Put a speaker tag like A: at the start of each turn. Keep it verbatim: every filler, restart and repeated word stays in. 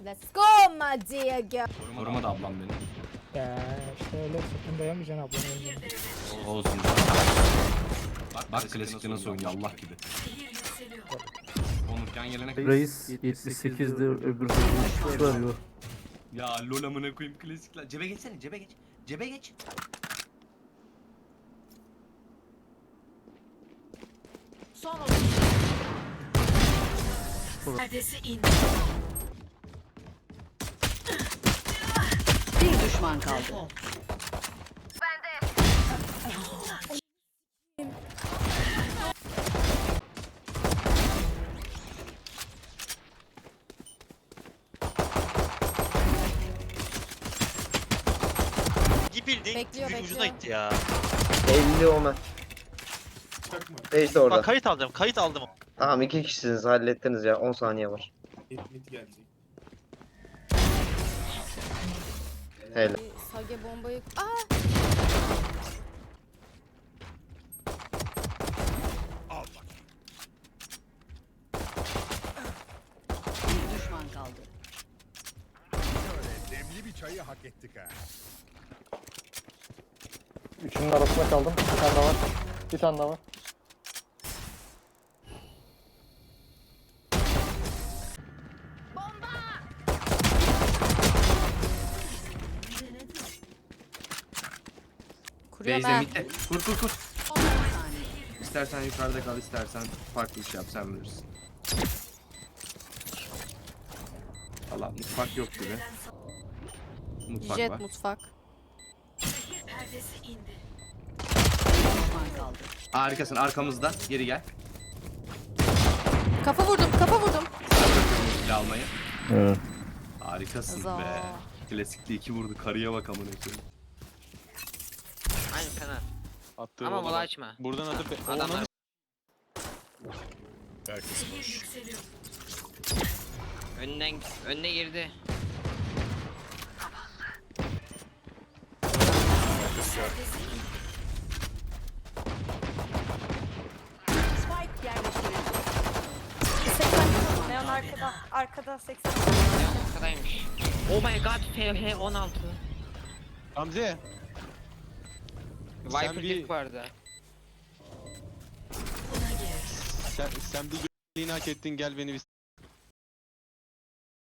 A: Let's go my dear girl.
B: Koruma da ablam benim.
C: Ya işte öyle sakın dayamayacaksın ablanın önüne.
B: Olsun. Bak, bak klasikte nasıl oynuyor Allah gibi. Onurken gelene kadar.
D: Reis yetmiş sekizde öbür türlü arıyor.
B: Ya lol amına koyayım klasikler. Cebe geçsene cebe geç. Cebe geç.
E: Son oyun. Perdesi indi.
F: Bir düşman kaldı.
G: Bildiğin
A: Bekliyor,
G: ucuna
A: bekliyor.
G: gitti ya.
H: elli Omen. Neyse orada.
G: Bak kayıt alacağım, kayıt aldım.
H: Tamam iki kişisiniz hallettiniz ya on saniye var. Hele.
A: Sage bombayı... Aa!
F: Bir düşman kaldı.
I: Demli bir çayı hak ettik ha.
C: Üçünün arasında kaldım. Bir tane daha var. Bir tane daha var.
A: Kuruyorum
B: Beyze
A: ha.
B: mitte. Kur kur kur. İstersen yukarıda kal, istersen farklı bir şey yap, sen bilirsin. Valla mutfak yok gibi. Mutfak
A: Jet
B: var.
A: mutfak.
E: Perdesi indi.
F: Bir düşman kaldı.
B: Harikasın, arkamızda. Geri gel.
A: Kafa vurdum, kafa vurdum.
B: Silah almayı.
D: Evet.
B: Harikasın
A: Za.
B: be. Klasikte iki vurdu, karıya bak amına koyayım.
J: Aynı fena.
G: Attığım
J: Ama
G: oldu
J: mola
G: bak.
J: açma.
G: Buradan atıp
J: Adamlar
I: Herkes boş.
E: Yükseliyor.
J: önden önüne girdi.
F: Spike yerleştirildi.
A: seksen.
K: Neon arkada. Arkada seksen.
J: Ya arkadaymış. Oh my god F H on altı.
G: Hamze.
J: Viper
G: bir-
J: bir... vardı.
G: Sen, sen bir g***liğini hak ettin, gel beni bir